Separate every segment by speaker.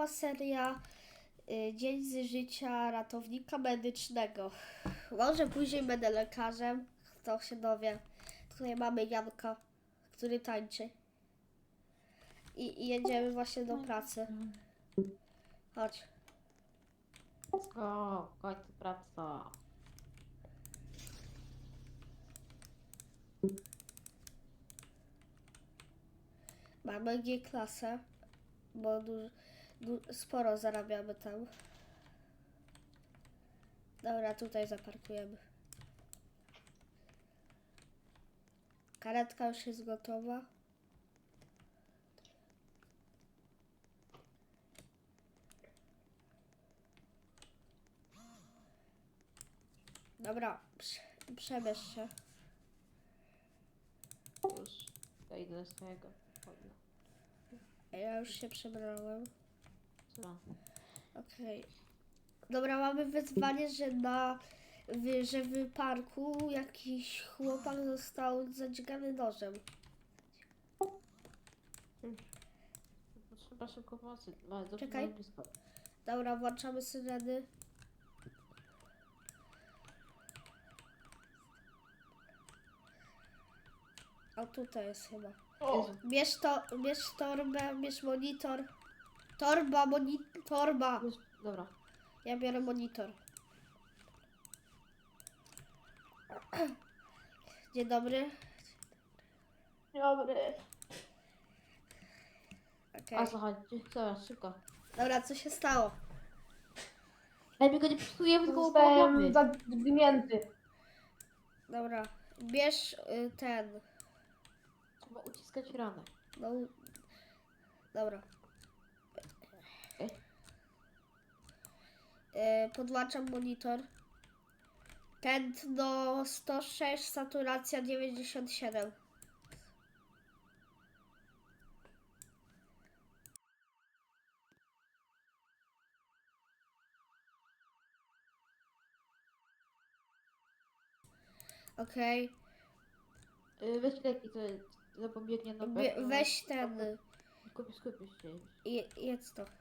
Speaker 1: nowa seria Dzień z życia ratownika medycznego. Może później będę lekarzem, kto się dowie. Tutaj mamy Janka, który tańczy. I jedziemy właśnie do pracy. Chodź.
Speaker 2: Let's go, w końcu praca.
Speaker 1: Mamy G-klasę, bo sporo zarabiamy tam. Dobra, tutaj zaparkujemy. Karetka już jest gotowa. Dobra, przebierz się.
Speaker 2: Już ja idę do swojego pokoju.
Speaker 1: Ja już się przebrałem.
Speaker 2: Co?
Speaker 1: Okej. Dobra, mamy wyzwanie, że w parku jakiś chłopak został zadźgany nożem.
Speaker 2: Potrzeba szybko pomocy. Bardzo
Speaker 1: Czekaj.
Speaker 2: blisko.
Speaker 1: Dobra, włączamy syreny. O, tutaj jest chyba.
Speaker 2: Jezu.
Speaker 1: Bierz torbę, bierz monitor. Torba.
Speaker 2: Już, dobra.
Speaker 1: Ja biorę monitor. Dzień dobry.
Speaker 2: Dobry.
Speaker 1: Okej.
Speaker 2: A co chodzi? Dobra, szybko.
Speaker 1: Dobra, co się stało?
Speaker 2: Ej, my go nie psujemy, tylko
Speaker 3: Zostałem
Speaker 2: umawiamy.
Speaker 3: zadźgnięty.
Speaker 1: Dobra, bierz ten.
Speaker 2: Trzeba uciskać ranę.
Speaker 1: No, dobra.
Speaker 2: Okej.
Speaker 1: Podłączam monitor. Tętno 106, saturacja 97. Okej.
Speaker 2: Weź leki, to zapobiegnie na pewno.
Speaker 1: Weź ten.
Speaker 2: Skupisz się.
Speaker 1: Jedz to.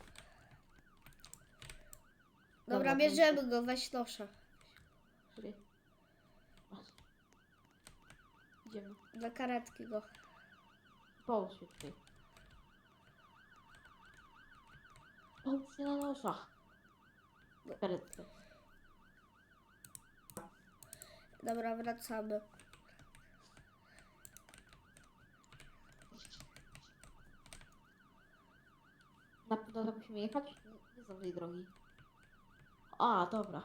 Speaker 2: Dobra,
Speaker 1: Dobra,
Speaker 2: to
Speaker 1: bierzemy go, weź nosza.
Speaker 2: Czekaj. Masz. Idziemy.
Speaker 1: Do karetki go.
Speaker 2: Połóż się tutaj. Połóż się na noszach. Karetkę.
Speaker 1: Dobra, wracamy.
Speaker 2: Na pewno tam musimy jechać? Nie znam tej drogi. A, dobra.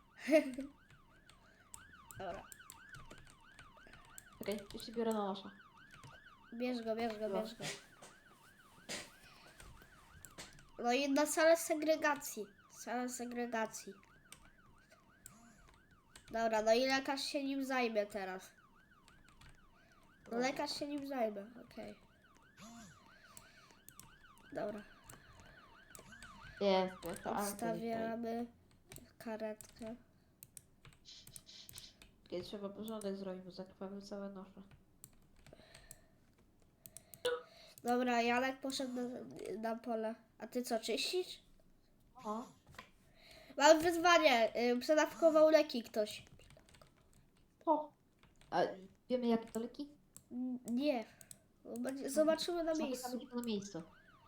Speaker 1: Dobra.
Speaker 2: Czekaj, już się biorę na nosza.
Speaker 1: Bierz go. No i na salę segregacji. Dobra, no i lekarz się nim zajmie teraz. No lekarz się nim zajmie, okej. Dobra,
Speaker 2: Jest, to
Speaker 1: odstawiamy karetkę.
Speaker 2: Czekaj, trzeba porządek zrobić, bo zakrwawił całe nosze.
Speaker 1: Dobra, Janek poszedł na pole. A ty co, czyścisz?
Speaker 2: O,
Speaker 1: Mam wyzwanie. Przedawkował leki ktoś.
Speaker 2: o. A wiemy jakie to leki?
Speaker 1: Nie. Zobaczymy na
Speaker 2: Zamykamy
Speaker 1: miejscu.
Speaker 2: się na miejscu.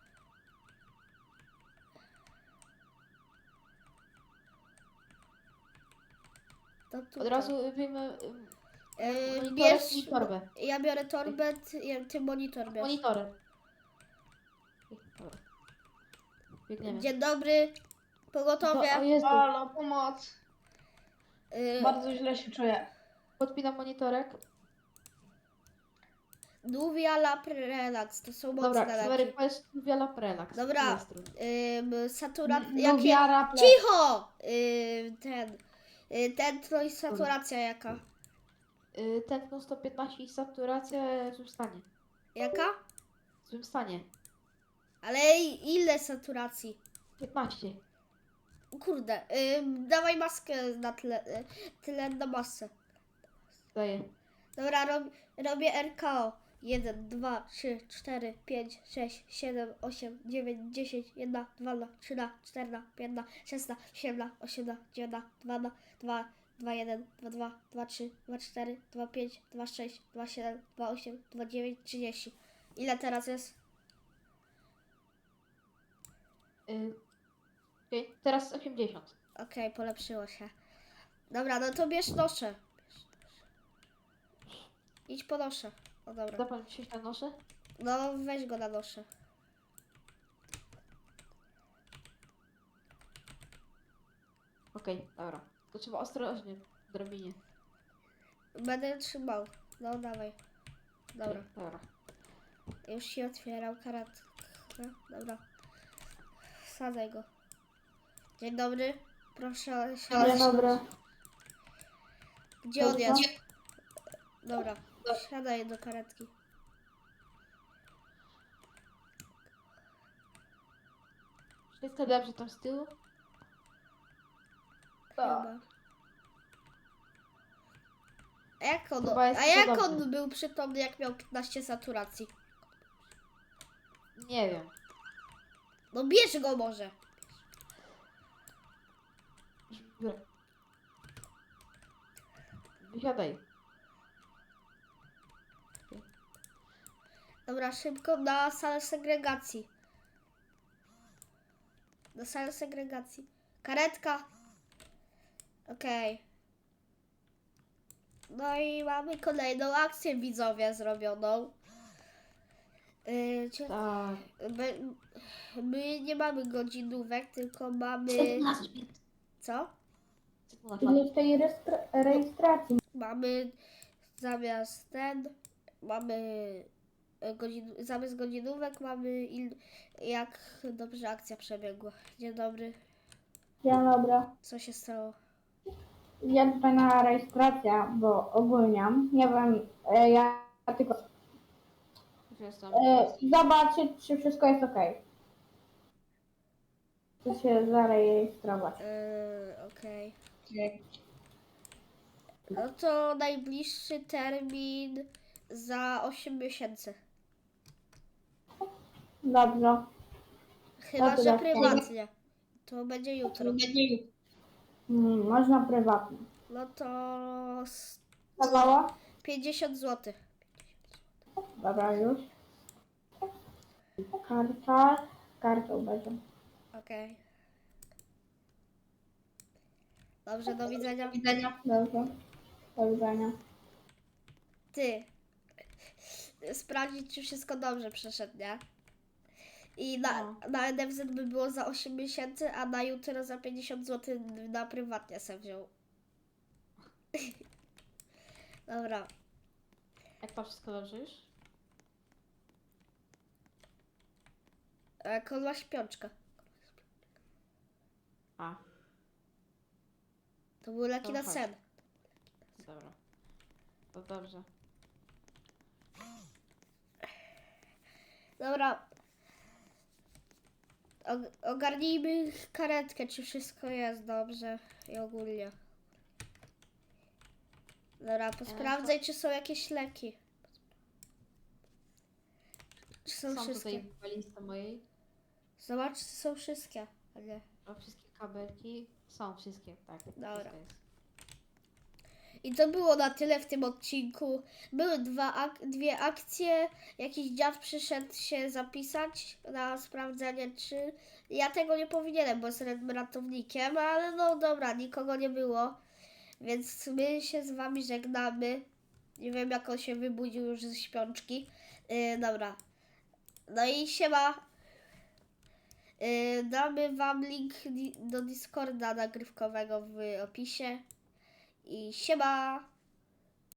Speaker 1: To
Speaker 2: Od
Speaker 1: tutaj.
Speaker 2: razu wiemy
Speaker 1: Bierz.
Speaker 2: i torbę.
Speaker 1: Ja biorę torbę, ty monitor bierz.
Speaker 2: Monitorem. Dobra. Biegniemy.
Speaker 1: Dzień dobry. Pogotowie.
Speaker 2: O Jezu,
Speaker 3: Halo, pomoc.
Speaker 1: Y,
Speaker 3: Bardzo źle się czuję.
Speaker 2: podpinam monitorek.
Speaker 1: Nuvia Lab Relax. To są
Speaker 2: Dobra,
Speaker 1: mocne leki.
Speaker 2: Sewerek, powiedz Wiala Prelax.
Speaker 1: Dobra. Saturacja.
Speaker 3: Lubiara ple.
Speaker 1: Cicho! Tętno i saturacja jaka?
Speaker 2: Tętno 115 i saturacja w złym stanie.
Speaker 1: Jaka?
Speaker 2: W złym stanie.
Speaker 1: Ale ile saturacji?
Speaker 2: 15.
Speaker 1: Kurde, dawaj maskę na tlen na masę.
Speaker 2: Daję.
Speaker 1: Dobra, robię RKO. 1, 2, 3, 4, 5, 6, 7, 8, 9, 10, 1, 2, 3, 4, 5, 6, 7, 8, 9, 2, 2, 2, 1, 2, 2, 2, 3, 2, 4, 2, 5, 2, 6, 2, 7, 2, 8, 2, 9, 30. Ile teraz jest?
Speaker 2: Okej, teraz 80.
Speaker 1: Okej, polepszyło się. Dobra, no to bierz noszę. Idź po noszę. O dobra.
Speaker 2: Da pan wsiąść na noszę?
Speaker 1: No weź go na noszę.
Speaker 2: Okej, dobra. To trzeba ostrożnie w drabinie.
Speaker 1: Będę trzymał. No dawaj. Dobra.
Speaker 2: Okej, dobra.
Speaker 1: Już się otwierał karatkę. Dobra. Wsadzaj go. Dzień dobry. Proszę siadać.
Speaker 3: Dzień dobry.
Speaker 1: Gdzie on jest? Dobra. Siadaj do karetki.
Speaker 2: Wszystko dobrze tam z tyłu?
Speaker 3: Tak.
Speaker 1: Chyba. A jak on,
Speaker 2: Chyba jest
Speaker 1: a jak
Speaker 2: podobny.
Speaker 1: on był przytomny, jak miał 15 saturacji?
Speaker 2: Nie wiem.
Speaker 1: No bierz go może.
Speaker 2: Biorę. Wysiadaj.
Speaker 1: Dobra, szybko na salę segregacji. Na salę segregacji. Karetka. Okej. No i mamy kolejną akcję widzowie zrobioną.
Speaker 2: Tak.
Speaker 1: My nie mamy godzinówek, tylko mamy... Co?
Speaker 3: Czyli w tej rejestracji.
Speaker 1: Mamy zamiast mamy zamiast godzinówek mamy jak dobrze akcja przebiegła. Dzień dobry,
Speaker 3: Dzień dobry.
Speaker 1: co się stało?
Speaker 3: Ja tutaj na rejestracja, bo ogólniam. Nie wiem, ja tylko
Speaker 2: Już jestem.
Speaker 3: zobaczyć, czy wszystko jest ok. Chcę się zarejestrować.
Speaker 1: Okej. No to najbliższy termin za 8 miesięcy.
Speaker 3: Dobrze.
Speaker 1: Chyba, że
Speaker 3: Dobra.
Speaker 1: prywatnie. To będzie jutro.
Speaker 3: Można prywatnie.
Speaker 1: No to
Speaker 3: Dawała?
Speaker 1: 50 zł.
Speaker 3: Dobra, już. Karta. Kartą będzie.
Speaker 1: Okej. Dobrze, do widzenia.
Speaker 3: Dobrze. Do widzenia.
Speaker 1: Ty. Sprawdzić, czy wszystko dobrze przeszedł, nie? I na NFZ by było za 8 miesięcy, a na jutro za 50 zł na prywatnie se wziął. Dobra.
Speaker 2: Jak to wszystko dobrze już?
Speaker 1: A jak on ma śpiączkę?
Speaker 2: A,
Speaker 1: To był leki
Speaker 2: To
Speaker 1: na
Speaker 2: chodź.
Speaker 1: sen.
Speaker 2: dobra. To dobrze.
Speaker 1: Dobra. Ogarnijmy karetkę, czy wszystko jest dobrze i ogólnie. Dobra, posprawdzaj, czy są jakieś leki. Czy są
Speaker 2: Są
Speaker 1: wszystkie?
Speaker 2: tutaj w walizce mojej.
Speaker 1: Zobacz, czy są wszystkie. A nie.
Speaker 2: A wszystkie kabelki są wszystkie, tak.
Speaker 1: Dobra.
Speaker 2: wszystko jest.
Speaker 1: I to było na tyle w tym odcinku. Były dwie akcje. Jakiś dziad przyszedł się zapisać na sprawdzenie, czy... Ja tego nie powinienem, bo jestem ratownikiem, ale no dobra, nikogo nie było. Więc my się z wami żegnamy. Nie wiem, jak on się wybudził już ze śpiączki. Dobra. No i siema. Damy wam link do Discorda nagrywkowego w opisie. I siema!